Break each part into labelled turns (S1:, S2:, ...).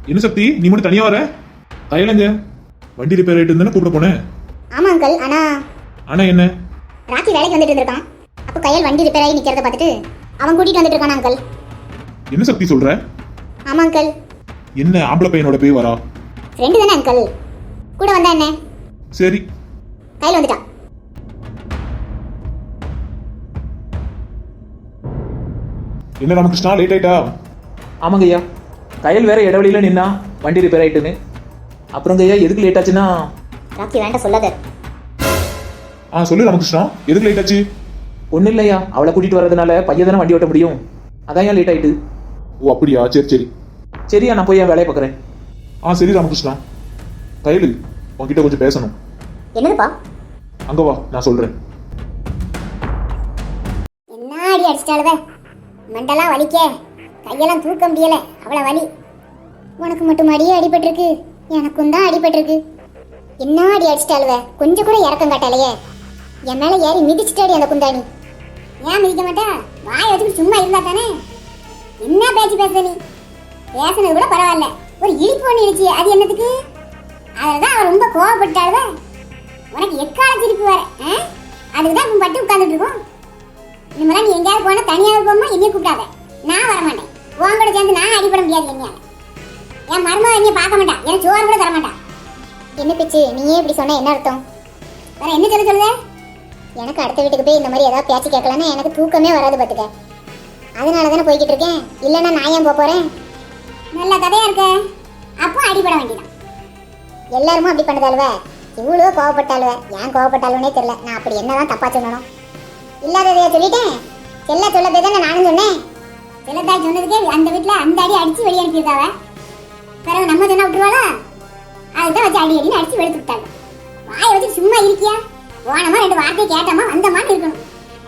S1: என்ன சக்தி, நீ மட்டும் தனியா வர? கையிலங்க வண்டி ரிப்பேர் ஆயிட்டு இருந்தானே கூப்பிட போனேன்.
S2: ஆமா அங்கிள்.
S1: ஆனா என்ன?
S2: ராக்கி வேலைக்கு வந்துட்டு இருந்திருக்கான். அப்போ கையில் வண்டி ரிப்பேர் ஆகி நிக்கிறத பார்த்துட்டு அவன் கூட்டிட்டு வந்துட்டு இருக்கான் அங்கிள்.
S1: என்ன சக்தி சொல்ற?
S2: ஆமா அங்கிள்.
S1: என்ன ஆம்பளை பையனோட போய் வரா?
S2: ஃப்ரெண்டு தானே அங்கிள், கூட வந்தா என்ன?
S1: சரி,
S2: கையில் வந்துட்டான்.
S1: என்ன ராமகிருஷ்ணா, லேட் ஆயிட்டா?
S3: ஆமாங்க ஐயா, கையில் வேற இடவெளியில் நின்னா வண்டி ரிப்பேர் ஆயிட்டுன்னு. அப்புறங்க ஐயா எதுக்கு லேட் ஆச்சுன்னா?
S2: ராக்கி வேண்டாம் சொல்லாத.
S1: சொல்லு ராமகிருஷ்ணா, எதுக்கு லேட் ஆச்சு?
S3: ஒன்றும் இல்லையா, அவளை கூட்டிட்டு வர்றதுனால பையன் தானே வண்டி ஓட்ட முடியும், அதான் ஏன் லேட் ஆயிட்டு.
S1: ஓ அப்படியா, சரி சரி.
S3: சரியா, நான் போய் என் வேலையை பார்க்குறேன்.
S1: சரி ராமகிருஷ்ணா. கையில் உன்கிட்ட கொஞ்சம் பேசணும்.
S2: என்னதுப்பா?
S1: அங்க வா, நான் சொல்றேன்.
S2: என்ன அடி அடிச்சிட்டாளுவ, மண்டெல்லாம் வலிக்க, கையெல்லாம் தூக்க முடியல, அவ்வளோ வலி. உனக்கு மட்டும் அடியே அடிபட்டிருக்கு, எனக்கும் தான் அடிபட்டிருக்கு. என்ன அடி அடிச்சிட்டாளுவ, கொஞ்சம் கூட இறக்கம் காட்டலையே. என் மேல ஏறி மிதிச்சிட்டாடி அந்த குந்தாணி. ஏன் மிதிக்க மாட்டா? வாய் வச்சுட்டு சும்மா இருந்தா தானே. என்ன பேச்சு பேச நீ? பேசுனது கூட பரவாயில்ல, ஒரு இழிப்பு ஒன்று இடிச்சு, அது என்னத்துக்கு? அதில்தான் அவன் ரொம்ப கோவப்பட்டாளுவ. உனக்கு எக்கால சிரிப்பு வர, அதுக்குதான் உன் பட்டு உட்காந்துட்டு இருக்கோம். இனிமேலாம் நீ எங்கேயாவது போனா தனியாக போமா, என்னைய கூப்பிடாத, நான் வரமாட்டேன். உன் கூட சேர்ந்து நான் அடிபட முடியாது. என்னையால என் மருமக என்னைய பார்க்க மாட்டான், எனக்கு சோறு கூட தர மாட்டான். என்ன பிச்சு, நீயே இப்படி சொன்ன என்ன அர்த்தம்? வேற என்ன சொல்லுத? எனக்கு அடுத்த வீட்டுக்கு போய் இந்த மாதிரி ஏதாவது பேச்சு கேட்கலன்னா எனக்கு தூக்கமே வராது பார்த்துக்க. அதனால தானே போய்கிட்டு இருக்கேன், இல்லைன்னா நான் ஏன் போறேன்? நல்ல கதையா இருக்க. அப்போ அடிபட வேண்டியதான். எல்லாருமே அப்படி பண்ணதாளுவ, இவ்வளோ கோவப்பட்டாளுவ. ஏன் கோவப்பட்டாலுன்னே தெரியல. நான் அப்படி என்னதான் தப்பா சொல்லணும்? இல்லாததைய சொல்லிட்டேன். செல்ல சொல்ல போய் தானே நானும் சொன்னேன். செல்லத்தாய் சொன்னதுக்கே அந்த வீட்டில் அந்த அடி அடிச்சு வெளியே அனுப்பியிருக்காவ. பிறகு நம்ம சொன்னா விட்டுருவாளா? அதுதான் வச்சு அடி அடின்னு அடிச்சு வெளுத்து விட்டாங்க. வாயை வச்சு சும்மா இருக்கியா? போனமா ரெண்டு வார்த்தையை கேட்டமா வந்தமான்னு இருக்கணும்.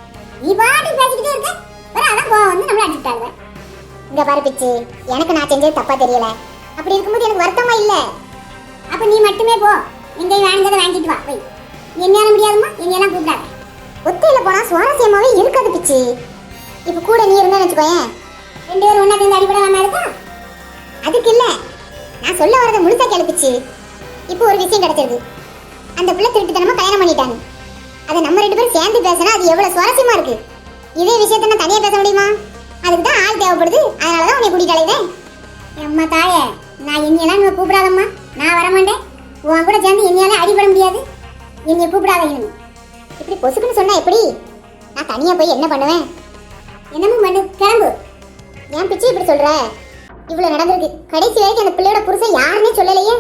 S2: நீ பாட்டு பேசிக்கிட்டே இருக்க, வேற அதான் கோவம் வந்து நம்மள அடிச்சுட்டாங்க. இங்க பாரு பிச்சு, எனக்கு நான் செஞ்சது தப்பா தெரியல. அப்படி இருக்கும்போது எனக்கு வருத்தமா இல்ல. அப்ப நீ மட்டுமே போ, எங்கேயும் வாங்கினதை வாங்கிட்டு வா. போய் என்னால முடியாதுமா, எங்கெல்லாம் கூப்பிடாத. ஒத்தையில போனா சுவாரஸ்யமாவே இருக்காது பிச்சு. இப்ப கூட நீ இருந்தா வச்சுக்கோயேன், ரெண்டு பேரும் ஒன்னா சேர்ந்து அடிபடாம இருக்கா? அதுக்கு இல்ல, நான் சொல்ல வரதை முழுசா கேளுப்பிச்சு. இப்போ ஒரு விஷயம் கிடைச்சிருக்கு. அந்த பிள்ளை திருட்டுத்தனமா கல்யாணம் பண்ணிட்டாங்க. அதை நம்ம ரெண்டு பேரும் சேர்ந்து பேசினா அது எவ்வளவு சுவாரஸ்யமா இருக்கு. இதே விஷயத்த நான் தனியா பேச முடியுமா? அதுக்கு தான் ஆள் தேவைப்படுது. அதனாலதான் உன்னை கூட்டிட்டு அலையுதேன். அம்மா தாயே, நான் என்னையெல்லாம் நீ கூப்பிடாதம்மா, நான் வரமாட்டேன். உன் கூட சேர்ந்து என்னையால அடிபட முடியாது, என்னைய கூப்பிடாத. இப்படி பொசுக்குன்னு சொன்னா எப்படி? நான் தனியா போய் என்ன பண்ணுவேன்? என்னமும் பண்ணு, கிளம்பு. ஏன் பிச்சு இப்படி சொல்ற? இவ்வளவு நடந்திருக்கு, கடைசி வரைக்கும் அந்த பிள்ளையோட புருஷன் யாருன்னே சொல்லலையே.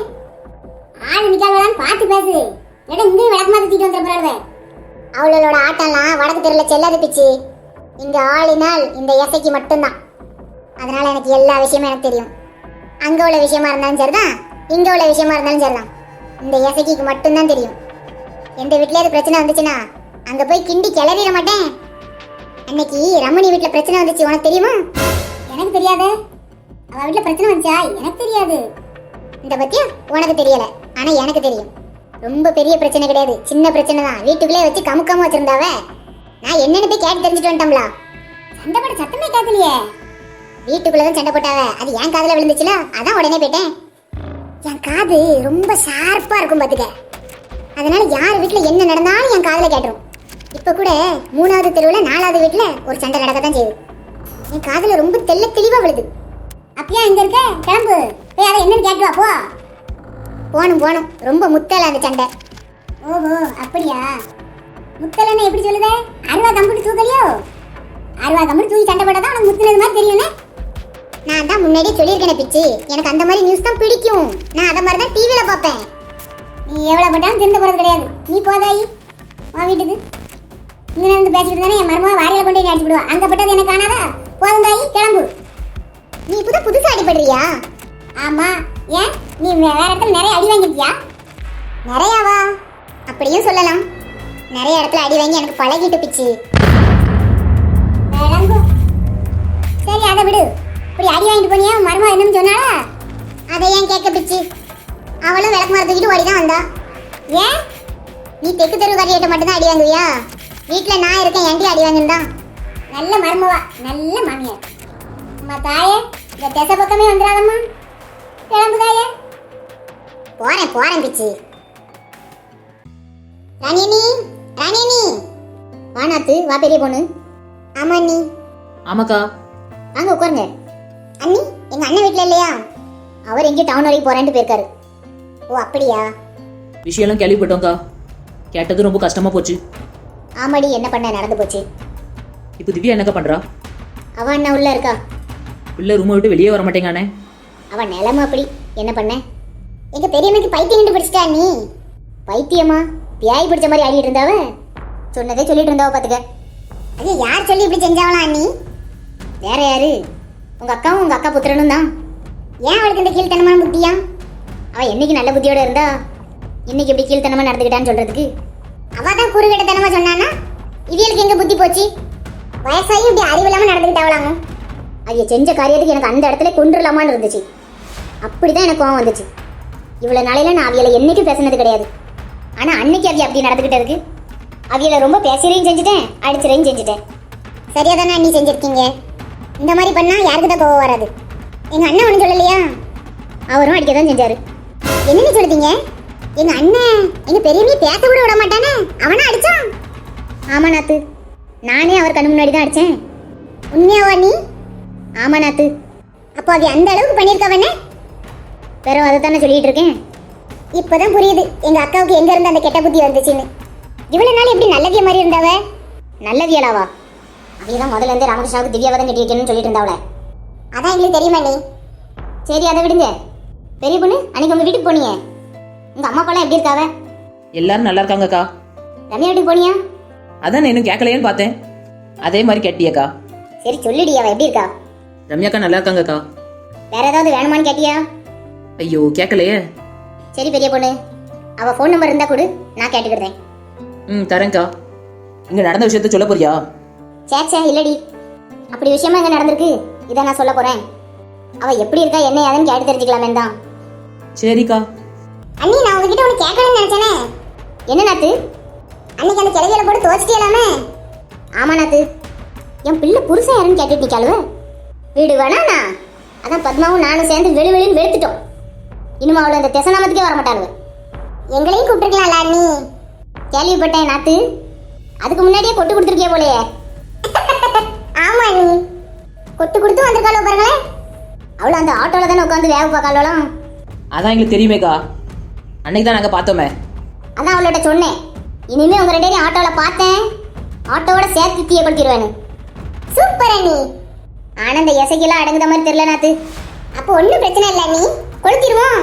S2: ஆள் நிக்காதான் பார்த்து பேசு, இடம் இங்கேயும் விளக்கமா தூக்கிட்டு வந்துட போறாளுவே. அவளோட ஆட்டம்லாம் வடக்கு தெருல செல்லாது பிச்சு. இங்க ஆளினால் இந்த எசைக்கு மட்டும்தான். அதனால எனக்கு எல்லா விஷயமும் எனக்கு தெரியும். அங்க உள்ள விஷயமா இருந்தாலும் சரிதான், இங்க உள்ள விஷயமா இருந்தாலும் சரிதான். இந்த எசைக்கு மட்டும்தான் தெரியும். எந்த வீட்லயே அது பிரச்சனை வந்துச்சுன்னா அங்க போய் கிண்டி கிளறிட மாட்டேன். அன்னைக்கு ரமணி வீட்டுல பிரச்சனை வந்துச்சு, உனக்கு தெரியுமா? எனக்கு தெரியாது. அவ வீட்டுல பிரச்சனை வந்துச்சா? எனக்கு தெரியாது. இந்த பத்தியா உனக்கு தெரியல, ஆனா எனக்கு தெரியும். ரொம்ப பெரிய பிரச்சனை கிடையாது, சின்ன பிரச்சனை தான். வீட்டுக்குள்ளே வச்சு கமுக்காம வச்சிருந்தாவ. நான் என்னன்னு போய் கேட்டு தெரிஞ்சுட்டு வந்துட்டோம்ல. சண்டை போட சத்தமே கேட்கலையே. வீட்டுக்குள்ளதான் சண்டை போட்டாவ, அது என் காதுல விழுந்துச்சுல, அதான் உடனே போயிட்டேன். என் காது ரொம்ப ஷார்ப்பா இருக்கும் பாத்துக்க. அதனால யார் வீட்டுல என்ன நடந்தாலும் என் காதுல கேட்டுரும். இப்ப கூட 3வது தெருவுல 4வது வீட்டுல ஒரு சண்டை நடக்கத்தான் செய்யுது. என் காதுல ரொம்ப தெளிவா விழுது. அப்பயா இங்க இருக்க, கிளம்பு போய் அதை என்னன்னு கேட்டு வா. போ. போனும் ரொம்ப முத்தல அந்த சண்டை. ஓஹோ அப்படியா? முத்தலன்னு எப்படி சொல்லுதே? அருவா கம்புட்டு தூக்கலையோ? அருவா கம்புட்டு தூக்கி சண்டை போட்டா தான் உனக்கு முத்துனது மாதிரி தெரியும்னே. நான் தான் முன்னாடியே சொல்லியிருக்கேன் பிச்சு, எனக்கு அந்த மாதிரி நியூஸ் தான் பிடிக்கும். நான் அதை மாதிரி தான் டிவியில பார்ப்பேன். நீ எவ்வளவு பட்டாலும் திருந்த போறது கிடையாது. நீ போதாயி வா வீட்டுக்கு. இங்க இருந்து பேசிட்டு தானே என் மருமக வாரியில கொண்டு போய் அடிச்சு விடுவா. அங்க பட்டது எனக்கு காணாதா? போதும் தாயி, கிளம்பு. நீ புதுசா அடிபடுறியா? ஆமா. ஏன் நீ வேற இடத்துல நிறைய அடி வாங்கிட்டியா? நிறையாவா? அப்படியும் சொல்லலாம். நிறைய இடத்துல அடி வாங்கி எனக்கு பழகிட்டு பிச்சு. சரி அதை விடு. இப்படி அடி வாங்கிட்டு போனியா? மருமக என்னன்னு சொன்னாளா? அதை ஏன் கேட்க பிச்சு? அவளும் விளக்கு மரம் தூக்கிட்டு ஓடிதான் வந்தா. ஏன் நீ தெற்கு தெரு காரியிட்ட மட்டும்தான் அடி வாங்குவியா? வீட்டுல நான் இருக்கேன், என்கிட்ட அடி வாங்கிருந்தான். நல்ல மருமவா, நல்ல மாமியார். அம்மா தாயே, இந்த திசை பக்கமே வந்துடாதம்மா. கிளம்புதாய போறேன் போறேன் பிச்சு. ராணியனி ராணியனி வா நாத்து வா பெரிய பொண்ணு. ஆமா அண்ணி.
S3: ஆமாக்கா.
S2: வாங்க உட்காருங்க. அண்ணி எங்க அண்ணன் வீட்ல இல்லையா? அவர் எங்கேயும் டவுன் வரைக்கும் போறேன்ட்டு போயிருக்காரு. ஓ அப்படியா?
S3: விஷயம்லாம் கேள்விப்பட்டோம்க்கா. கேட்டது ரொம்ப கஷ்டமா போச்சு.
S2: ஆமாடி என்ன பண்ண நடந்து போச்சு.
S3: இப்போ திவ்யா என்னக்கா பண்றா?
S2: அவ அண்ணா உள்ள இருக்கா.
S3: உள்ள ரூமை விட்டு வெளியே வர மாட்டேங்கானே.
S2: அவன் நிலைமை அப்படி என்ன பண்ண. எங்க பெரியம்மைக்கு பைத்தியம் பிடிச்சிட்டா நீ. பைத்தியமா? பியாய் பிடிச்ச மாதிரி ஆடிட்டு இருந்தாவ. சொன்னதே சொல்லிட்டு இருந்தாவ பாத்துக்க. அது யார் சொல்லி இப்படி செஞ்சாவலாம் அண்ணி? வேற யாரு? உங்க அக்காவும் உங்க அக்கா புத்திரனும் தான். ஏன் அவளுக்கு இந்த கீழ்த்தனமான புத்தியா? அவ என்னைக்கு நல்ல புத்தியோட இருந்தா இன்னைக்கு இப்படி கீழ்த்தனமா நடந்துக்கிட்டான்னு சொல்றதுக்கு? அவ தான் குறுகிட்டத்தனமா சொன்னானா இவியலுக்கு எங்க புத்தி போச்சு? வயசாகி இப்படி அறிவில்லாம நடந்துக்கிட்டாவலாங்க. அவைய செஞ்ச காரியத்துக்கு எனக்கு அந்த இடத்துல கொன்றுலாமான்னு இருந்துச்சு. அப்படிதான் எனக்கு கோவம் வந்துச்சு. இவ்வளவு நாளையில நான் அவியலை என்னைக்கும் பேசினது கிடையாது. ஆனா அன்னைக்கு அவிய அப்படி நடந்துக்கிட்டதுக்கு அவியலை ரொம்ப பேசுறையும் செஞ்சுட்டேன், அடிச்சுறையும் செஞ்சுட்டேன். சரியா தானே அண்ணி செஞ்சிருக்கீங்க. இந்த மாதிரி பண்ணா யாருக்கு தான் கோவம் வராது. எங்க அண்ணன் ஒன்றும் சொல்லலையா? அவரும் அடிக்க தான் செஞ்சாரு. என்னன்னு சொல்லுதீங்க? எங்க அண்ணன் எங்க பெரியமே பேச கூட விட மாட்டானே, அவனா அடிச்சான்? ஆமா நாத்து, நானே அவர் கண்ணு முன்னாடி தான் அடிச்சேன். உண்மையாவா நீ? ஆமா நாத்து. அப்போ அது அந்த அளவுக்கு பண்ணியிருக்கவனே? பிறகு அதை தானே சொல்லிட்டு இருக்கேன். இப்போதான் புரியுது எங்க அக்காவுக்கு எங்க இருந்து அந்த கெட்ட புத்தி வந்துச்சுன்னு. இவ்வளவு நாள் எப்படி நல்லவிய மாதிரி இருந்தாவ? நல்லவியலாவா? அவையதான் முதல்ல இருந்து ராமகிருஷ்ணாவுக்கு திவ்யாவை தான் கட்டி வைக்கணும்னு சொல்லிட்டு இருந்தாவளே. அதான் எங்களுக்கு தெரியுமா நீ. சரி அதை விடுங்க. பெரிய பொண்ணு அன்னைக்கு உங்க வீட்டுக்கு போனீங்க, உங்க அம்மா அப்பாலாம் எப்படி இருக்காவ?
S3: எல்லாரும் நல்லா இருக்காங்கக்கா.
S2: ரம்யா வீட்டுக்கு போனியா?
S3: அதான் நான் இன்னும் கேட்கலையேன்னு பார்த்தேன். அதே மாதிரி கேட்டியக்கா.
S2: சரி சொல்லிடி, அவ எப்படி இருக்கா?
S3: ரம்யாக்கா நல்லா இருக்காங்கக்கா.
S2: வேற ஏதாவது வேணுமான்னு கேட்டியா?
S3: ஐயோ கேட்கலையே.
S2: சரி பெரிய பொண்ணு, அவ ஃபோன் நம்பர் இருந்தா கொடு, நான் கேட்டுக்கிறேன்.
S3: தரேன்க்கா. இங்க நடந்த விஷயத்த சொல்ல போறியா?
S2: சேச்சே இல்லடி, அப்படி விஷயமா எங்க நடந்திருக்கு இதை நான் சொல்ல போறேன். அவ எப்படி இருக்கா என்ன ஏதுன்னு கேட்டு தெரிஞ்சுக்கலாமே தான்.
S3: சரிக்கா.
S2: அண்ணி நான் உங்ககிட்ட ஒன்று கேட்கணும்னு நினைச்சேனே. என்ன நாத்து? அன்னைக்கு அந்த கிளவியில போட்டு துவச்சிட்டியலாமே. ஆமா நாத்து, என் பிள்ளை புருஷன் யாருன்னு கேட்டுட்டு நிக்காளுவ. வீடு வேணாண்ணா, அதான் பத்மாவும் நானும் சேர்ந்து வெளிவெளின்னு வெளுத்துட்டோம். இனிமே அவளை அந்த திசநாமத்துக்கே வர மாட்டாளுவ. எங்களையும் கூப்பிட்டுருக்கலாம்ல அண்ணி. கேள்விப்பட்டேன் நாத்து, அதுக்கு முன்னாடியே கொட்டு கொடுத்துருக்கே போலையே. ஆமா அண்ணி, கொட்டு கொடுத்து வந்திருக்காளோ பாருங்களேன். அவளை அந்த ஆட்டோல தானே உட்காந்து வேக பார்க்காளோலாம்.
S3: அதான் எங்களுக்கு தெரியுமேக்கா, அன்னைக்கு தான் நாங்கள் பார்த்தோமே.
S2: அதான் அவள்கிட்ட சொன்னேன், இனிமே உங்க ரெண்டு பேரும் ஆட்டோல பார்த்தேன் ஆட்டோவோட சேர்த்து தீயப்படுத்திடுவேன்னு. சூப்பர் அண்ணி. ஆனந்த இசைக்கெல்லாம் அடங்குத மாதிரி தெரியல நாத்து. அப்போ ஒன்றும் பிரச்சனை இல்லை அண்ணி, கொளுத்திடுவோம்.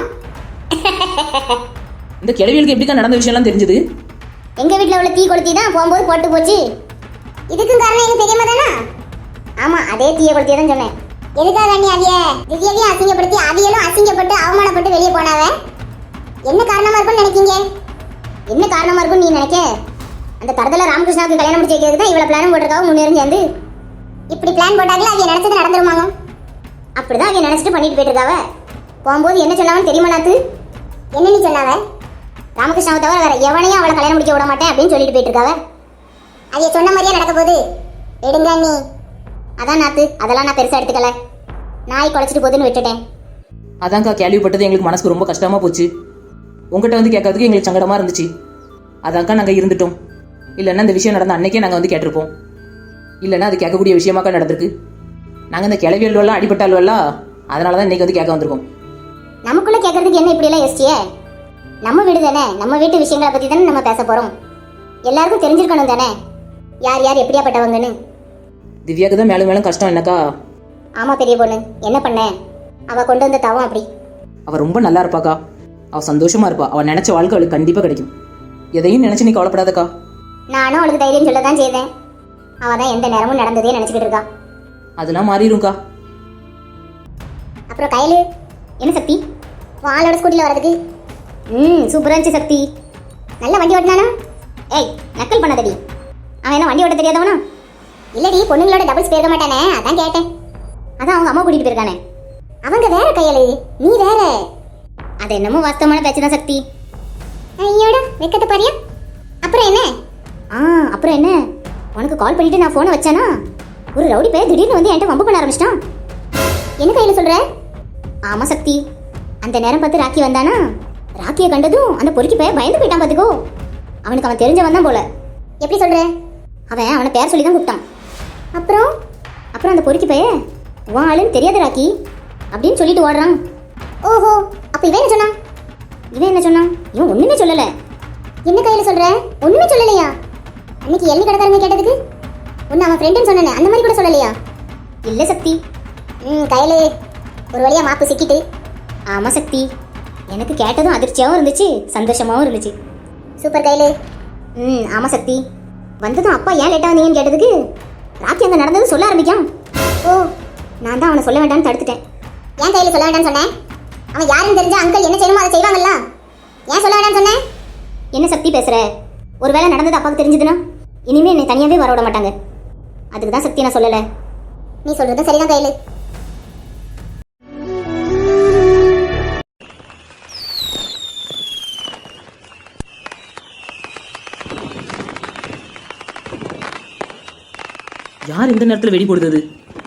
S3: இந்த கிழவிகளுக்கு எப்படிக்கா நடந்த விஷயம்லாம் தெரிஞ்சது?
S2: எங்க வீட்டில் உள்ள தீ கொளுத்தி தான் போகும்போது போட்டு போச்சு. இதுக்கும் காரணம் எங்க பெரியம்மா தானா? ஆமா, அதே தீய கொளுத்தியே தான் சொன்னேன். எதுக்காக அண்ணி அவிய திவ்யாவையும் அசிங்கப்படுத்தி அவியலும் அசிங்கப்பட்டு அவமானப்பட்டு வெளியே போனாவ? என்ன காரணமா இருக்கும்னு நினைக்கீங்க? என்ன காரணமா இருக்கும்னு நீ நினைக்க? அந்த தரத்துல ராமகிருஷ்ணாவுக்கு கல்யாணம் முடிச்சு வைக்கிறதுக்கு தான் இவ்வளவு பிளான் போட்டிருக்காவும் முன்னேறி சேர்ந்து. இப்படி பிளான் போட்டாங்களே அவிய நினைச்சது நடந்துருமாங்க. அப்படிதான் அவிய நினைச்சிட்டு பண்ணிட்டு போயிட்டு இருக்காவ. போகும்போது என்ன சொன்னாவன்னு தெரியுமா நாத்து? என்ன நீ சொன்னாவ? ராமகிருஷ்ணாவை தவிர வேற எவனையும் அவளை கல்யாணம் முடிக்க விட மாட்டேன் அப்படின்னு சொல்லிட்டு போயிட்டு இருக்காவ. அவிய சொன்ன மாதிரியே நடக்க போகுது. எடுங்க நீ. அதான் நாத்து, அதெல்லாம் நான் பெருசா எடுத்துக்கல. நாய் குலைச்சிட்டு போகுதுன்னு விட்டுட்டேன்.
S3: அதான்க்கா கேள்விப்பட்டது எங்களுக்கு மனசுக்கு ரொம்ப கஷ்டமா போச்சு. உங்ககிட்ட வந்து கேட்கறதுக்கு எங்களுக்கு சங்கடமா இருந்துச்சு. அதான்க்கா நாங்கள் இருந்துட்டோம். இல்லைன்னா இந்த விஷயம் நடந்த அன்னைக்கே நாங்கள் வந்து கேட்டிருப்போம். இல்லைன்னா அது கேட்கக்கூடிய விஷயமாக்கா நடந்திருக்கு. நாங்கள் இந்த கிளவியல்வெல்லாம் அடிபட்டால்வெல்லாம் அதனால தான் இன்னைக்கு வந்து கேட்க வந்திருக்கோம்.
S2: நமக்குள்ள கேட்கறதுக்கு என்ன இப்படியெல்லாம் யோசிச்சியே? நம்ம வீடு தானே, நம்ம வீட்டு விஷயங்களை பற்றி தானே நம்ம பேச போகிறோம். எல்லாருக்கும் தெரிஞ்சிருக்கணும் தானே யார் யார் எப்படியாப்பட்டவங்கன்னு.
S3: திவ்யாவுக்கு தான் மேலும் மேலும் கஷ்டம் என்னக்கா.
S2: ஆமாம் பெரிய பொண்ணு, என்ன பண்ண? அவள் கொண்டு வந்த தவம் அப்படி.
S3: அவள் ரொம்ப நல்லா இருப்பாக்கா. அவள் சந்தோஷமா இருப்பா. அவள் நினைச்ச வாழ்க்கை அவளுக்கு கண்டிப்பாக கிடைக்கும். எதையும் நினைச்சு நீ கவலைப்படாதக்கா.
S2: நானும் அவளுக்கு தைரியம் சொல்ல தான் செய்தேன். அவள் தான் எந்த நேரமும் நடந்ததே நினச்சிக்கிட்டு இருக்கா.
S3: அதெல்லாம் மாறிடும்க்கா.
S2: அப்புறம் கையில் என்ன சக்தி வாளோட ஸ்கூட்டியில் வரதுக்கு? சூப்பராக இருந்துச்சு சக்தி. நல்ல வண்டி ஓட்டினானா? ஏய் நக்கல் பண்ணாதடி. அவன் என்ன வண்டி ஓட்ட தெரியாதவனா? இல்லடி, பொண்ணுங்களோட டபுள்ஸ் போயிருக்க மாட்டானே, அதான் கேட்டேன். அதான் அவங்க அம்மா கூட்டிகிட்டு போயிருக்கானே. அவங்க வேற கையலு, நீ வேற. அது என்னமோ வாஸ்தவமான பேச்சு தான் சக்தி. ஐயோட வெக்கத்தை பாரியா. அப்புறம் என்ன? அப்புறம் என்ன, உனக்கு கால் பண்ணிட்டு நான் ஃபோனை வச்சானா ஒரு ரவுடி பையன் திடீர்னு வந்து என்கிட்ட வம்பு பண்ண ஆரம்பிச்சிட்டான். என்ன கையில் சொல்ற? ஆமா சக்தி, அந்த நேரம் பார்த்து ராக்கி வந்தானா, ராக்கியை கண்டதும் அந்த பொறுக்கி பையன் பயந்து போயிட்டான் பார்த்துக்கோ. அவனுக்கு அவன் தெரிஞ்சவன் தான் போல. எப்படி சொல்ற? அவன் அவனை பேர் சொல்லி தான் கூப்பிட்டான். அப்புறம் அப்புறம் அந்த பொறுக்கி பையன் உன் ஆளுன்னு தெரியாத ராக்கி அப்படின்னு சொல்லிட்டு ஓடுறான். ஓஹோ, அப்ப இவன் என்ன சொன்னான்? இவன் ஒண்ணுமே சொல்லல. என்ன கையில சொல்ற? ஒண்ணுமே சொல்லலையா? அன்னைக்கு எள்ளி கடைக்காரங்க கேட்டதுக்கு ஒன்னு அவன் ஃப்ரெண்டுன்னு சொன்னேன், அந்த மாதிரி கூட சொல்லலையா? இல்ல சக்தி. கையில ஒரு வழியா மாப்பு சிக்கிட்டு. ஆமா சக்தி, எனக்கு கேட்டதும் அதிர்ச்சியாகவும் இருந்துச்சு, சந்தோஷமாகவும் இருந்துச்சு. சூப்பர் கையில. ஆமா சக்தி, வந்ததும் அப்பா ஏன் லேட்டாக வந்தீங்கன்னு கேட்டதுக்கு ராக்கி அங்கே நடந்தது சொல்ல ஆரம்பிக்கான். ஓ, நான் தான் அவனை சொல்ல வேண்டாம்னு தடுத்துட்டேன். ஏன் கையில் சொல்ல வேண்டாம்னு சொன்னேன்? அவன் யாருன்னு தெரிஞ்சா அங்கிள் என்ன செய்யணுமோ அதை செய்வாங்கல்ல. ஏன் சொல்ல வேண்டாம்னு சொன்னேன்? என்ன சக்தி பேசுற? ஒருவேளை நடந்தது அப்பாவுக்கு தெரிஞ்சதுன்னா இனிமே என்னை தனியாகவே வர விட மாட்டாங்க. அதுக்கு தான் சக்தி நான் சொல்லலை. நீ சொல்றது சரிதான் கையில்.
S3: யார் இந்த நேரத்தில் வெடி போடுறது?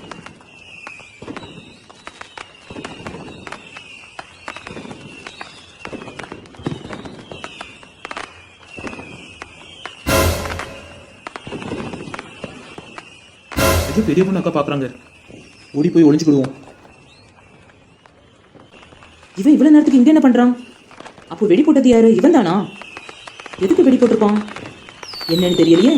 S1: இது பெரிய பொண்ணு அக்கா பாக்குறாங்க. ஓடி போய் ஒளிஞ்சுக்கிடுவோம்.
S3: இவன் இவ்வளவு நேரத்துக்கு இங்க என்ன பண்றான்? அப்போ வெடி போட்டது யாரு? இவன் தானா? எதுக்கு வெடி போட்டிருப்பான் என்னன்னு தெரியலையே.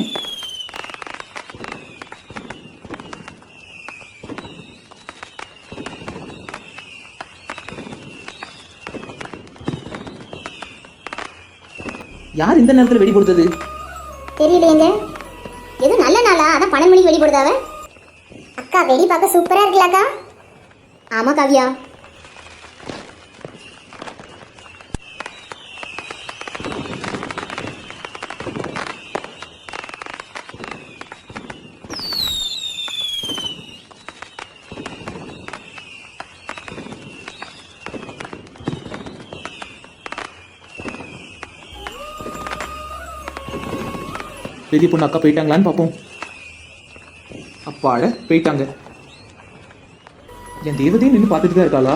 S3: யார் இந்த நேரத்தில் வெடி போடுறது?
S2: தெரியலையேங்க. எது நல்ல நாளா? அதான் 12 மணிக்கு வெடி போடுதாவ. அக்கா வெடி பார்க்க சூப்பரா இருக்குல்ல அக்கா? ஆமா காவியா.
S1: பெரிய பொண்ணு அக்கா போயிட்டாங்களான்னு பார்ப்போம். அப்பாட போயிட்டாங்க. என் தேவதையும் நின்று பார்த்துட்டு தான் இருக்காளா?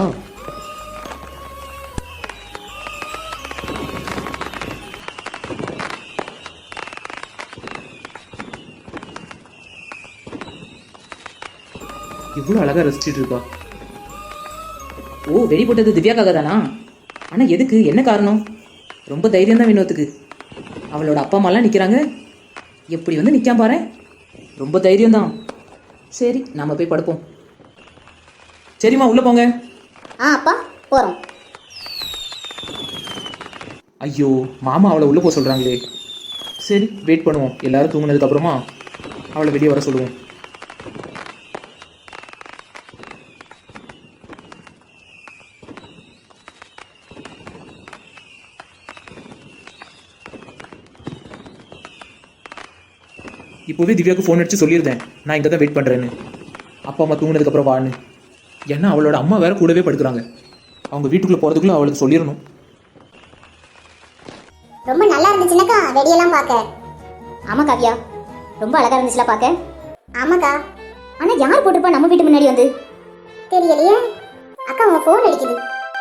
S1: இவ்வளவு அழகா ரசிச்சிட்டு இருக்கா.
S3: ஓ, வெடி போட்டது திவ்யாக்காக தானா? ஆனா எதுக்கு? என்ன காரணம்? ரொம்ப தைரியம் தான் வினோத்துக்கு. அவளோட அப்பா அம்மாலாம் நிற்கிறாங்க, எப்படி வந்து நிற்காம பாரு. ரொம்ப தைரியம் தான். சரி, நாம போய் படுப்போம்.
S1: சரிம்மா, உள்ள போங்க.
S2: அப்பா போறோம்.
S1: ஐயோ, மாமா அவளை உள்ள போக சொல்றாங்களே. சரி, வெயிட் பண்ணுவோம். எல்லாரும் தூங்குனதுக்கு அப்புறமா அவளை வெளியே வர சொல்லுவோம். இப்போவே திவ்யாவுக்கு ஃபோன் அடிச்சு சொல்லியிருந்தேன், நான் இங்கே தான் வெயிட் பண்ணுறேன்னு. அப்பா அம்மா தூங்கினதுக்கப்புறம் வான்னு. ஏன்னா அவளோட அம்மா வேற கூடவே படுக்கிறாங்க. அவங்க வீட்டுக்குள்ளே போகிறதுக்குள்ளே அவளுக்கு சொல்லிடணும்.
S2: ரொம்ப நல்லா இருந்துச்சுனாக்கா வெடியெல்லாம் பார்க்க. ஆமா காவியா, ரொம்ப அழகா இருந்துச்சுல பார்க்க. ஆமாக்கா. ஆனா யார் போட்டிருப்பா நம்ம வீட்டு முன்னாடி வந்து? தெரியலையே. அக்கா உங்க ஃபோன் அடிக்குது.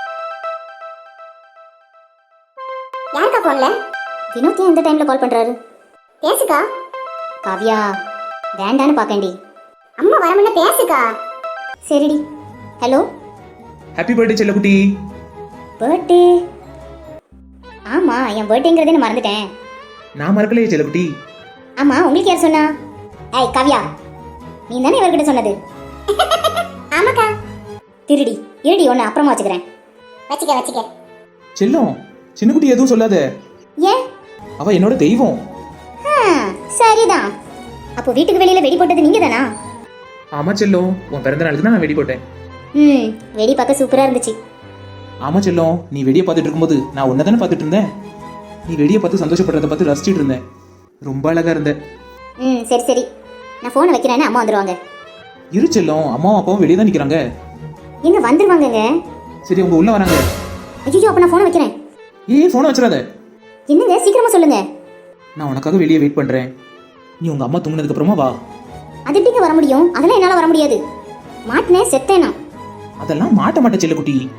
S2: யாருக்கா ஃபோன்ல? வினோத் ஏன் இந்த டைம்ல கால் பண்றாரு? பேசுக்கா. காவியா, வேண்டான்னு பாக்கண்டி. அம்மா வரமுன்ன பேசுக்கா. சரிடி. ஹலோ.
S1: ஹாப்பி பர்த்டே செல்லக்குட்டி.
S2: பர்த்டே? ஆமா, என் பர்த்டேங்கிறதே நான் மறந்துட்டேன்.
S1: நான் மறக்கலையே செல்லக்குட்டி.
S2: ஆமா, உங்களுக்கு யார் சொன்னா? ஏய் காவியா, நீ தானே இவர்கிட்ட சொன்னது? ஆமாக்கா. திருடி இருடி, ஒன்று அப்புறமா வச்சுக்கிறேன். வச்சுக்க.
S1: செல்லம், சின்னக்குட்டி எதுவும் சொல்லாத.
S2: ஏன்?
S1: அவ என்னோட தெய்வம்.
S2: சரிதான். அப்போ வீட்டுக்கு வெளியில வெடி போட்டது நீங்க தானா?
S1: ஆமா செல்லம், உன் பிறந்த நாளுக்கு தான் நான் வெடி போட்டேன்.
S2: வெடி பார்க்க சூப்பரா இருந்துச்சு.
S1: ஆமா செல்லம், நீ வெடியை பார்த்துட்டு இருக்கும்போது நான் உன்னை தானே பார்த்துட்டு இருந்தேன். நீ வெடியை பார்த்து சந்தோஷப்படுறத பார்த்து ரசிச்சிட்டு இருந்தேன். ரொம்ப அழகா இருந்த.
S2: சரி, நான் போனை வைக்கிறேன்னு அம்மா வந்துருவாங்க.
S1: இரு செல்லம், அம்மாவும் அப்பாவும் வெளியே தான் நிக்கிறாங்க.
S2: எங்க வந்துருவாங்கங்க?
S1: சரி, அவங்க உள்ள வராங்க.
S2: ஐயோ, அப்ப நான் போனை வைக்கிறேன்.
S1: போனை வச்சிடாத.
S2: என்னங்க, சீக்கிரமா சொல்லுங்க.
S1: நான் உனக்காக வெளியே வெயிட் பண்றேன். நீ உங்க அம்மா தூங்கினதுக்கு அப்புறமா வா.
S2: அது எப்படிங்க வர முடியும்? அதெல்லாம் என்னால வர முடியாது. மாட்டினே செத்தேனா.
S1: அதெல்லாம் மாட்ட மாட்ட செல்லக்குட்டி.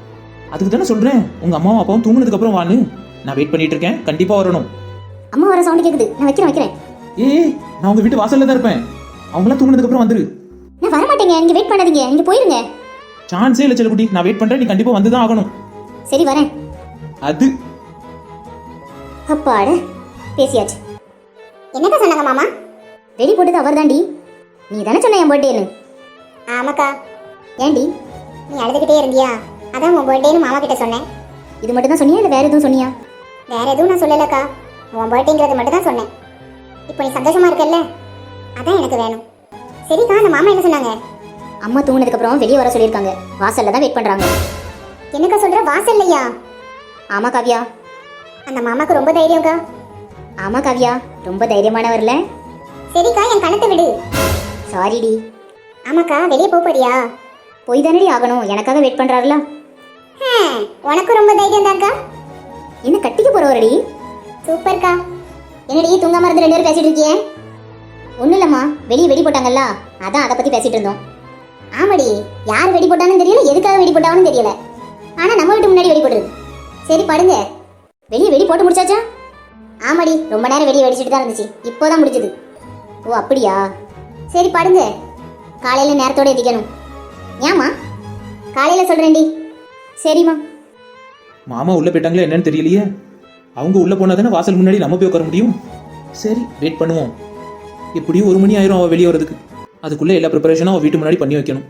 S1: அதுக்கு தானே சொல்றேன் உங்க அம்மாவும் அப்பாவும் தூங்குனதுக்கு அப்புறம் வான்னு. நான் வெயிட் பண்ணிட்டு இருக்கேன், கண்டிப்பா வரணும்.
S2: அம்மா வர சவுண்ட் கேக்குது, நான் வைக்கிறேன்.
S1: ஏய், நான் உங்க வீட்டு வாசல்ல தான் இருப்பேன். அவங்களாம் தூங்குனதுக்கு அப்புறம் வந்துரு.
S2: நான் வர மாட்டேங்க, நீங்க வெயிட் பண்ணாதீங்க, நீங்க போயிருங்க.
S1: சான்ஸே இல்லை செல்லக்குட்டி, நான் வெயிட் பண்றேன், நீ கண்டிப்பா வந்து தான் ஆகணும்.
S2: சரி வரேன்.
S1: அது
S2: அப்பாட பேசியாச்சு. என்னக்கா சொன்னாங்க மாமா? ரெடி போட்டது அவர் தாண்டி. நீ தானே சொன்ன என் பர்த்டேன்னு. ஆமாக்கா. ஏண்டி நீ அழுதுகிட்டே இருந்தியா? அதான் உன் பர்த்டேன்னு மாமா கிட்ட சொன்னேன். இது மட்டும் தான் சொன்னியா இல்லை வேற எதுவும் சொன்னியா? வேற எதுவும் நான் சொல்லலக்கா, உன் பர்த்டேங்கிறது மட்டும் தான் சொன்னேன். இப்போ நீ சந்தோஷமா இருக்கல்ல, அதான் எனக்கு வேணும். சரிக்கா, அந்த மாமா என்ன சொன்னாங்க? அம்மா தூங்கினதுக்கு அப்புறம் வெளியே வர சொல்லியிருக்காங்க, வாசல்ல தான் வெயிட் பண்றாங்க. என்னக்கா சொல்ற, வாசல்லையா? ஆமா காவியா. அந்த மாமாக்கு ரொம்ப தைரியம்க்கா. ஆமா காவியா, ரொம்ப தைரியமானவர்ல. சரிக்கா, என் கணத்தை விடு. சாரிடி. ஆமாக்கா, வெளியே போறியா? போய் தானடி ஆகணும், எனக்காக வெயிட் பண்றாருல. உனக்கு ரொம்ப தைரியம் தான்க்கா. என்ன கட்டிக்க போறவரடி? சூப்பர்க்கா. என்னடி தூங்காம இருந்து 2 பேரும் பேசிட்டு இருக்கியே? ஒன்றும் இல்லைம்மா, வெளியே வெடி போட்டாங்கல்ல, அதான் அதை பற்றி பேசிட்டு இருந்தோம். ஆமாடி, யார் வெடி போட்டான்னு தெரியல, எதுக்காக வெடி போட்டாங்கன்னு தெரியல. ஆனால் நம்ம வீட்டு முன்னாடி வெடி போட்டுருது. சரி படுங்க. வெளியே வெடி போட்டு முடிச்சாச்சா? ஆமாடி, ரொம்ப நேரம் வெடி வெடிச்சிட்டு தான் இருந்துச்சு, இப்போதான் முடிச்சது. ஓ அப்படியா? சரி படுங்க, காலையில் நேரத்தோடு எதிக்கணும். ஏம்மா? காலையில் சொல்கிறேன்டி. சரிம்மா.
S1: மாமா உள்ள போயிட்டாங்களா என்னன்னு தெரியலையே. அவங்க உள்ள போனா தானே வாசல் முன்னாடி நம்ம போய் உட்கார முடியும். சரி வெயிட் பண்ணுவோம். எப்படியும் 1 மணி ஆயிரும் அவள் வெளியே வரதுக்கு. அதுக்குள்ள எல்லா ப்ரிப்பரேஷனும் அவள் வீட்டு முன்னாடி பண்ணி வைக்கணும்.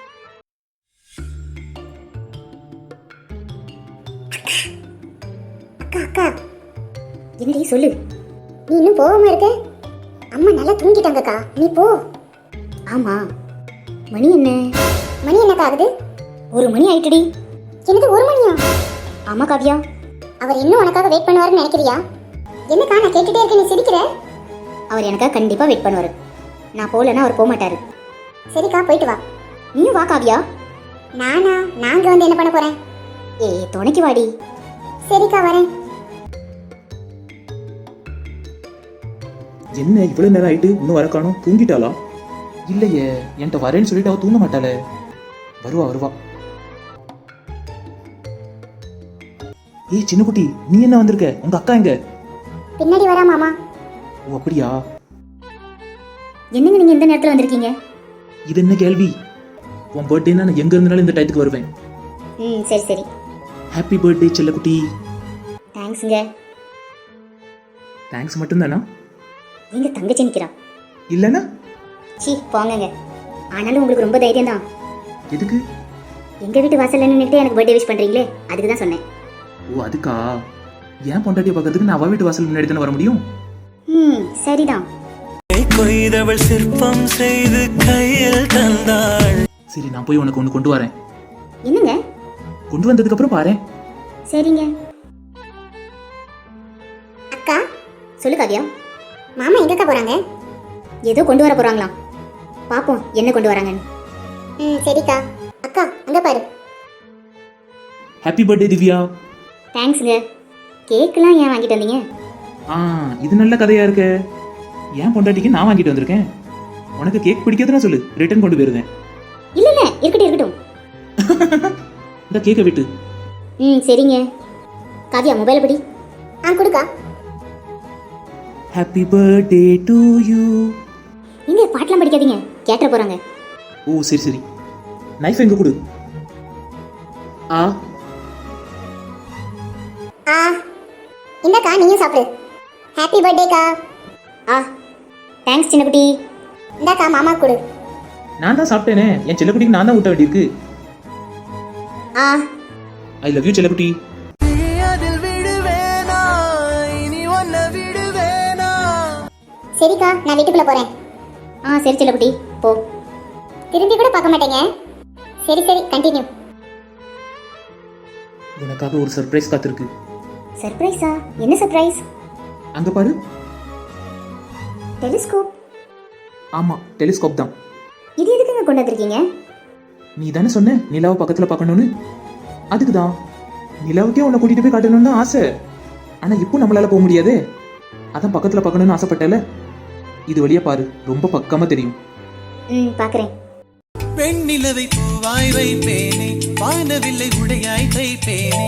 S2: அக்கா என்னடி சொல்லு. நீ இன்னும் போகாம இருக்க? அம்மா நல்லா தூங்கிட்டாங்கக்கா, நீ போ. ஆமா, மணி என்ன? மணி என்னக்கா ஆகுது? 1 மணி ஆயிட்டுடி. எனக்கு 1 மணியா? ஆமா காவியா. அவர் இன்னும் உனக்காக வெயிட் பண்ணுவாருன்னு நினைக்கிறியா? என்னக்கா நான் கேட்டுட்டே இருக்கேன், நீ சிரிக்கிற. அவர் எனக்காக கண்டிப்பா வெயிட் பண்ணுவாரு. நான் போகலன்னா அவர் போக மாட்டாரு. சரிக்கா, போயிட்டு வா. நீயும் வா காவியா. நாங்க வந்து என்ன பண்ண போறேன்? ஏய் துணைக்கு வாடி. சரிக்கா வரேன்.
S1: என்ன இவ்வளவு நேரம் ஆயிட்டு இன்னும் வர காணோம்? தூங்கிட்டாளா? இல்லையே, என்கிட்ட வரேன்னு சொல்லிட்டு அவ தூங்க மாட்டாளே. வருவா. ஏய் சின்ன குட்டி, நீ என்ன வந்திருக்க? உங்க அக்கா எங்க?
S2: பின்னாடி வரா மாமா.
S1: ஓ அப்படியா?
S2: என்னங்க நீங்க இந்த நேரத்துல வந்திருக்கீங்க?
S1: இது என்ன கேள்வி? உன் பர்த்டேனா நான் எங்க இருந்தாலும் இந்த டயத்துக்கு வருவேன்.
S2: சரி.
S1: ஹாப்பி பர்த்டே செல்லக்குட்டி.
S2: தேங்க்ஸ்ங்க.
S1: தேங்க்ஸ் மட்டும்தானா?
S2: எங்க தங்கச்சி நிக்கிறா.
S1: இல்லனா?
S2: சீ போங்கங்க. ஆனாலும் உங்களுக்கு ரொம்ப தைரியம் தான்.
S3: எதுக்கு?
S2: எங்க வீட்டு வாசல்ல நின்னுட்டு எனக்கு பர்த்டே விஷ் பண்றீங்களே, அதுக்கு தான் சொன்னேன்.
S1: ஓ அதுக்கா? ஏன் பொண்டாட்டியை பார்க்கறதுக்கு நான் அவ வீட்டு வாசல் முன்னாடி தானே வர முடியும்?
S2: சரிதான்.
S4: கொய்தவள் சிற்பம் செய்து கையில் தந்தாள்.
S1: சரி நான் போய் உனக்கு ஒன்று கொண்டு வரேன்.
S2: என்னங்க?
S1: கொண்டு வந்ததுக்கு அப்புறம் பாரு.
S2: சரிங்க. அக்கா சொல்லு காவியா. மாமா எங்கக்கா போறாங்க? ஏதோ கொண்டு வர போறாங்களாம். பாப்போம் என்ன கொண்டு வராங்கன்னு. சரிக்கா. அக்கா அங்க பாரு.
S1: Happy birthday Divya.
S2: தேங்க்ஸ்ங்க. கேக்லாம் ஏன் வாங்கிட்டு வந்தீங்க?
S1: இது நல்ல கதையா இருக்கு. ஏன் பொண்டாட்டிக்கு நான் வாங்கிட்டு வந்திருக்கேன். உனக்கு கேக் பிடிக்காதுன்னு சொல்லு, ரிட்டர்ன் கொண்டு போயிருந்தேன்.
S2: இல்ல இருக்கட்டும்.
S1: இந்த கேக்கை விட்டு.
S2: சரிங்க. காவியா மொபைலை படி. கொடுக்கா.
S1: Happy birthday to you.
S2: நீங்க பாட்டெல்லாம் படிக்காதீங்க, கேட்ட போறாங்க.
S1: ஓ சரி. நைஃப் எங்க கொடு.
S2: இந்தக்கா நீயும் சாப்பிடு. ஹாப்பி பர்த்டேக்கா. தேங்க்ஸ் சின்ன குட்டி. இந்தாக்கா மாமா கொடு.
S1: நான் தான் சாப்பிட்டேனே, என் செல்லக்குட்டிக்கு நான் தான் ஊட்ட வேண்டியிருக்கு. ஐ லவ் யூ செல்லக்குட்டி.
S2: சரிக்கா நான் வீட்டுக்குள்ள போறேன். சரி செல்லக்குட்டி போ. திரும்பி கூட பார்க்க மாட்டேங்க. சரி கண்டினியூ.
S1: உனக்காக ஒரு சர்ப்ரைஸ் காத்திருக்கு.
S2: சர்ப்ரைஸா? என்ன சர்ப்ரைஸ்?
S1: அங்க பாரு.
S2: டெலிஸ்கோப்.
S1: ஆமா டெலிஸ்கோப் தான்.
S2: இது எதுக்குங்க கொண்டு வந்திருக்கீங்க?
S1: நீ தானே சொன்ன நிலாவை பக்கத்துல பார்க்கணும்னு. அதுக்கு தான். நிலாவுக்கே உன்னை கூட்டிட்டு போய் காட்டணும்னு தான் ஆசை. ஆனா இப்போ நம்மளால போக முடியாதே. அதான் பக்கத்துல பார்க்கணும்னு ஆசைப்பட்டல. இது வழியா பாரு, ரொம்ப பக்கமா தெரியும்.
S2: பாக்குறேன்.
S4: பெண்ணிலவை பூவாய் வைப்பேனே, வானவில்லை உடையாய் தைப்பேனே.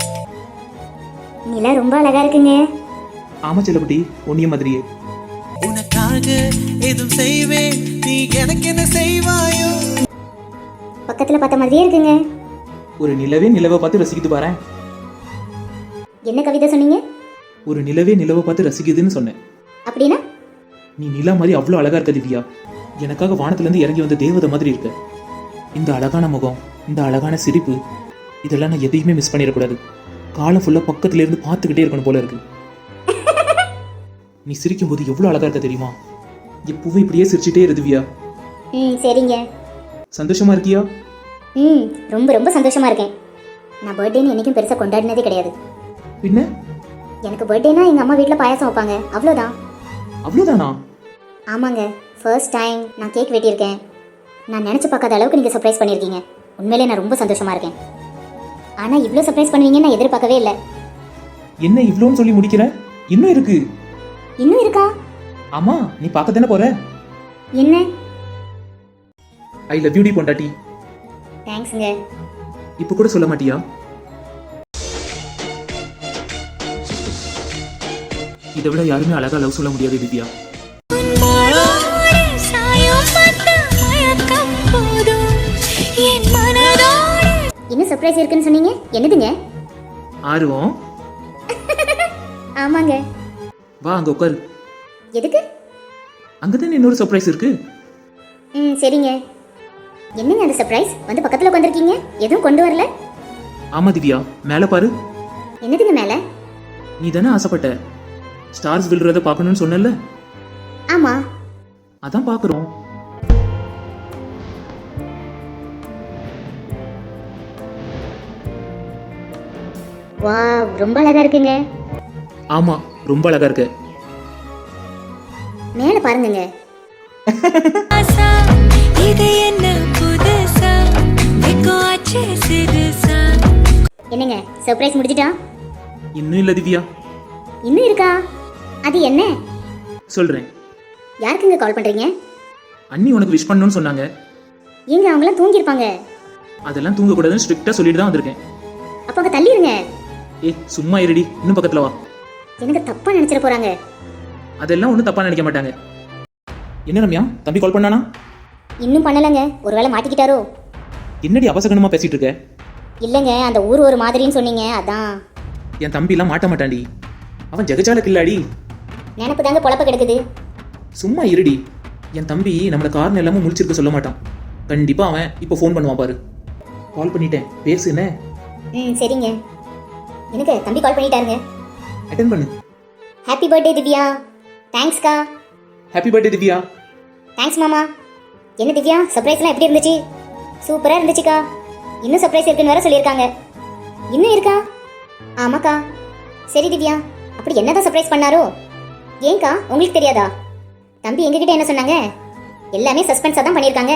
S2: நிலா ரொம்ப அழகா இருக்குங்க.
S1: ஆமா செல்லப்பட்டி, உன்னிய மாதிரியே.
S4: உனக்காக எதுவும் செய்வேன், நீ எனக்கு என்ன செய்வாயோ.
S2: பக்கத்துல பார்த்த மாதிரியே இருக்குங்க.
S1: ஒரு நிலவே நிலவை பார்த்து ரசிக்குது பாரேன்.
S2: என்ன கவிதை சொன்னீங்க?
S1: ஒரு நிலவே நிலவை பார்த்து ரசிக்குதுன்னு சொன்னேன்.
S2: அப்படின்னா?
S1: நீ நிலா மாதிரி அவ்வளோ அழகா இருக்க திவ்யா. எனக்காக வானத்திலேருந்து இறங்கி வந்த தேவதை மாதிரி இருக்க. இந்த அழகான முகம், இந்த அழகான சிரிப்பு, இதெல்லாம் நான் எதையுமே மிஸ் பண்ணிடக்கூடாது. காலம் ஃபுல்லாக பக்கத்துல இருந்து பார்த்துக்கிட்டே இருக்கணும் போல இருக்கு. நீ சிரிக்கும் போது எவ்வளோ அழகா இருக்க தெரியுமா? எப்பவும் இப்படியே சிரிச்சுட்டே இரு திவ்யா.
S2: சரிங்க.
S1: சந்தோஷமா இருக்கியா?
S2: ரொம்ப ரொம்ப சந்தோஷமா இருக்கேன். நான் பர்த்டேன்னு என்னைக்கும் பெருசாக கொண்டாடினதே கிடையாது.
S1: பின்ன
S2: எனக்கு பர்த்டேனா எங்கள் அம்மா வீட்டில் பாயாசம் வைப்பாங்க, அவ்வளோதான்.
S1: அவ்வளோதானா?
S2: ஆமாங்க, ஃபர்ஸ்ட் டைம் நான் கேக் வெட்டியிருக்கேன். நான் நினச்சி பார்க்காத அளவுக்கு நீங்கள் சர்ப்ரைஸ் பண்ணியிருக்கீங்க. உண்மையிலே நான் ரொம்ப சந்தோஷமாக இருக்கேன். ஆனால் இவ்வளோ சர்ப்ரைஸ் பண்ணுவீங்கன்னு நான் எதிர்பார்க்கவே இல்லை.
S1: என்ன இவ்வளோன்னு சொல்லி முடிக்கிறேன்? இன்னும் இருக்கு.
S2: இன்னும் இருக்கா?
S1: ஆமா, நீ பார்க்க தானே போற.
S2: என்ன?
S1: ஐ லவ் யூ டி பொண்டாட்டி.
S2: தேங்க்ஸுங்க.
S1: இப்போ கூட சொல்ல மாட்டியா? இதை விட யாருமே அழகா லவ் சொல்ல முடியாது திவ்யா.
S2: இன்னும் சர்ப்ரைஸ் இருக்குன்னு சொன்னீங்க, என்னதுங்க?
S1: ஆர்வம்.
S2: ஆமாங்க.
S1: வா அங்க உட்காரு.
S2: எதுக்கு?
S1: அங்கதானே இன்னொரு சர்ப்ரைஸ் இருக்கு.
S2: சரிங்க. என்னங்க அந்த சர்ப்ரைஸ்? வந்து பக்கத்துல உட்காந்துருக்கீங்க, எதுவும் கொண்டு வரல?
S1: ஆமா திவ்யா, மேல பாரு.
S2: என்னதுங்க மேல?
S1: நீ தானே ஆசைப்பட்ட ஸ்டார்ஸ் விழுறத பார்க்கணும்னு சொன்னல.
S2: ஆமா.
S1: அதான் பார்க்குறோம்.
S2: வாவ், ரொம்ப அழகா இருக்குங்க.
S1: ஆமா, ரொம்ப அழகா இருக்கு.
S2: மேல பாருங்கங்க.
S5: இது என்ன புதுசா வெக்கோச்சே சிறுசா.
S2: என்னங்க சர்ப்ரைஸ் முடிஞ்சிட்டா?
S1: இன்னும் இல்ல திவ்யா.
S2: இன்னும் இருக்கா? அது என்ன?
S1: சொல்றேன்.
S2: யாருக்குங்க கால் பண்றீங்க?
S1: அண்ணி உனக்கு விஷ் பண்ணணும்னு சொன்னாங்க.
S2: ஏங்க அவங்களாம் தூங்கியிருப்பாங்க.
S1: அதெல்லாம் தூங்கக்கூடாதுன்னு ஸ்ட்ரிக்டா சொல்லிட்டு தான் வந்திருக்கேன்.
S2: அப்ப அங்க தள்ளிருங்க.
S1: சும்மா இருடி, இன்னும் பக்கத்துல வா.
S2: எனக்கு தப்பா நினைச்சிட போறாங்க.
S1: அதெல்லாம் ஒன்றும் தப்பா நினைக்க மாட்டாங்க. என்ன ரம்யா, தம்பி கால் பண்ணானா?
S2: இன்னும் பண்ணலங்க, ஒருவேளை மாட்டிக்கிட்டாரோ?
S1: என்னடி அவசகனமா பேசிட்டு இருக்க?
S2: இல்லங்க, அந்த ஊர் ஒரு மாதிரின்னு சொன்னீங்க, அதான்.
S1: என் தம்பிலாம் மாட்ட மாட்டான்டி. அவன் ஜெகஜால கில்லாடி.
S2: நினப்பு தாங்க பொழப்ப கிடக்குது.
S1: சும்மா இருடி. என் தம்பி நம்மள காரணம் எல்லாமே முழிச்சிருக்க சொல்ல மாட்டான். கண்டிப்பா அவன் இப்போ ஃபோன் பண்ணுவான் பாரு. கால் பண்ணிட்டேன், பேசுனே.
S2: சரிங்க. எனக்கு தம்பி கால் பண்ணிட்டாருங்க.
S1: அட்டென்ட் பண்ணு.
S2: Happy birthday Divya. தேங்க்ஸ்க்கா.
S1: Happy birthday Divya.
S2: தேங்க்ஸ் மாமா. என்ன திவ்யா, சர்ப்ரைஸ்லாம் எப்படி இருந்துச்சு? சூப்பரா இருந்துச்சுக்கா. இன்னும் சர்ப்ரைஸ் இருக்குன்னு வேற சொல்லியிருக்காங்க. இன்னும் இருக்கா? ஆமாக்கா. சரி திவ்யா, அப்படி என்னதான் சர்ப்ரைஸ் பண்ணாரோ? ஏன்க்கா, உங்களுக்கு தெரியாதா? தம்பி எங்ககிட்ட என்ன சொன்னாங்க? எல்லாமே சஸ்பென்ஸா தான் பண்ணியிருக்காங்க.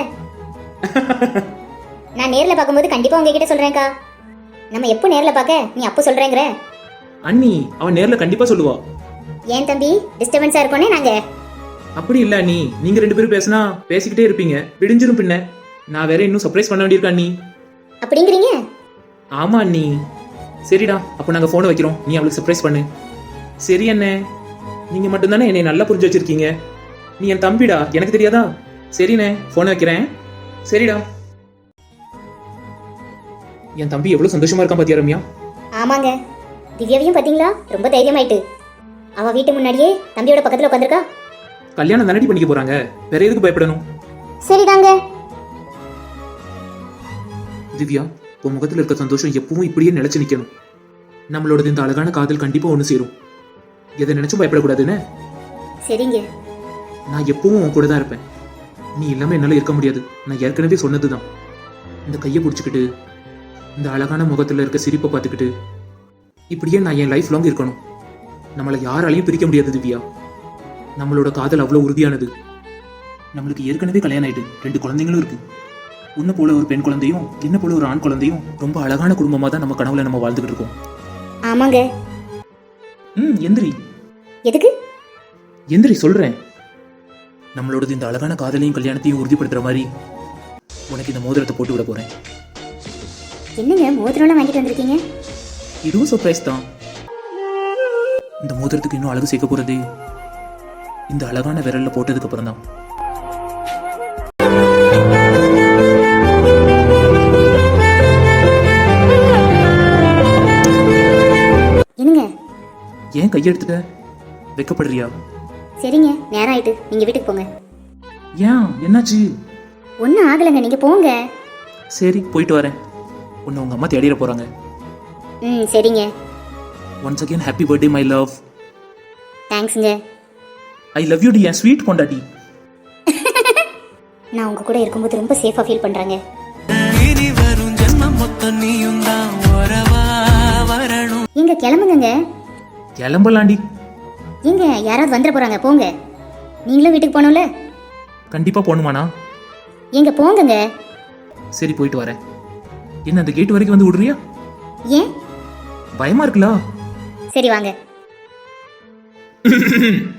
S2: நான் நேரில் பார்க்கும்போது கண்டிப்பா உங்ககிட்ட சொல்றேன்க்கா. நம்ம எப்போ நேரில் பார்க்க, நீ அப்போ சொல்றேங்கிற?
S1: அண்ணி அவன் நேர்ல கண்டிப்பா சொல்லுவா.
S2: ஏன் தம்பி, டிஸ்டர்பன்ஸா இருக்கோனே நாங்க.
S1: அப்படி இல்ல அண்ணி, நீங்க ரெண்டு பேரும் பேசினா பேசிக்கிட்டே இருப்பீங்க, விடிஞ்சிரும். பின்ன நான் வேற இன்னும் சர்ப்ரைஸ் பண்ண வேண்டியிருக்கா அண்ணி.
S2: அப்படிங்கிறீங்க?
S1: ஆமா அண்ணி. சரிடா, அப்போ நாங்க போனை வைக்கிறோம், நீ அவளுக்கு சர்ப்ரைஸ் பண்ணு. சரி அண்ணே, நீங்க மட்டும்தானே என்னை நல்லா புரிஞ்சு வச்சிருக்கீங்க. நீ என் தம்பிடா, எனக்கு தெரியாதா? சரிண்ணே, போனை வைக்கிறேன். சரிடா. என் தம்பி எவ்வளவு சந்தோஷமா இருக்கான் பாத்தியா ரம்யா?
S2: ஆமாங்க. திவ்யாவையும் பாத்தீங்களா, ரொம்ப தைரியமாயிட்டு. அவ வீட்டு முன்னாடியே தம்பியோட பக்கத்துல உட்காந்துருக்கா.
S1: கல்யாணம் தானடி பண்ணிக்க போறாங்க, வேற எதுக்கு பயப்படணும்?
S2: சரிதாங்க.
S1: திவ்யா, உன் முகத்துல இருக்க சந்தோஷம் எப்பவும் இப்படியே நிலைச்சு நிக்கணும். நம்மளோட இந்த அழகான காதல் கண்டிப்பா ஒண்ணு சேரும். எதை நினைச்சும் பயப்படக்கூடாதுன்னு.
S2: சரிங்க.
S1: நான் எப்பவும் உன் கூட தான் இருப்பேன். நீ இல்லாம என்னால இருக்க முடியாது. நான் ஏற்கனவே சொன்னதுதான். இந்த கையை பிடிச்சிக்கிட்டு, இந்த அழகான முகத்துல இருக்க சிரிப்பை பார்த்துக்கிட்டு, இப்படியே நான் என் லைஃப் லாங் இருக்கணும். நம்மளை யாராலையும் பிரிக்க முடியாது திவ்யா. நம்மளோட காதல் அவ்வளவு உறுதியானது. நம்மளுக்கு ஏற்கனவே கல்யாணம் ஆயிட்டு 2 குழந்தைங்களும் இருக்கு. உன்னை போல ஒரு பெண் குழந்தையும் என்ன போல ஒரு ஆண் குழந்தையும் ரொம்ப அழகான குடும்பமா தான் நம்ம கனவுல நம்ம வாழ்ந்துகிட்டு இருக்கோம்.
S2: ஆமாங்க.
S1: எந்திரி.
S2: எதுக்கு?
S1: எந்திரி சொல்றேன். நம்மளோட இந்த அழகான காதலையும் கல்யாணத்தையும் உறுதிப்படுத்துற மாதிரி உனக்கு இந்த மோதிரத்தை போட்டு விட போறேன்.
S2: என்னங்க மோதிரம்லாம் வாங்கிட்டு வந்திருக்கீங்க?
S1: இதுவும் சர்ப்ரைஸ் தான். இந்த மோதிரத்துக்கு இன்னும் அழகு சேர்க்க போறது இந்த அழகான விரல்ல போட்டதுக்கு அப்புறம் தான்.
S2: என்னங்க?
S1: ஏன் கையெடுத்துட்ட? வெக்கப்படுறியா?
S2: சரிங்க, நேரம் ஆயிட்டு, நீங்க வீட்டுக்கு போங்க.
S1: ஏன் என்னாச்சு?
S2: ஒன்றும் ஆகலைங்க, நீங்க போங்க.
S1: சரி போயிட்டு வரேன். உன்னை உங்க அம்மா தேடிட போறாங்க.
S2: ம் சரிங்க.
S1: Once again happy birthday my love.
S2: தேங்க்ஸுங்க.
S1: ஐ லவ் யூ டி என் ஸ்வீட் கொண்டாடி.
S2: நான் உங்க கூட இருக்கும்போது ரொம்ப சேஃபா ஃபீல் பண்றேங்க.
S4: இனி வரும் ஜென்மம் மொத்தம் நீயும் தான் உறவா வரணும்.
S2: எங்க கிளம்புங்க.
S1: கிளம்பலாண்டி.
S2: எங்க யாராவது வந்துட போறாங்க, போங்க. நீங்களும் வீட்டுக்கு போகணும்ல.
S1: கண்டிப்பா போகணுமாண்ணா?
S2: எங்க போங்கங்க.
S1: சரி போயிட்டு வரேன். என்ன அந்த கேட் வரைக்கும் வந்து விடுறியா?
S2: ஏன்?
S1: பயமா இருக்குல்ல?
S2: சரி வாங்க.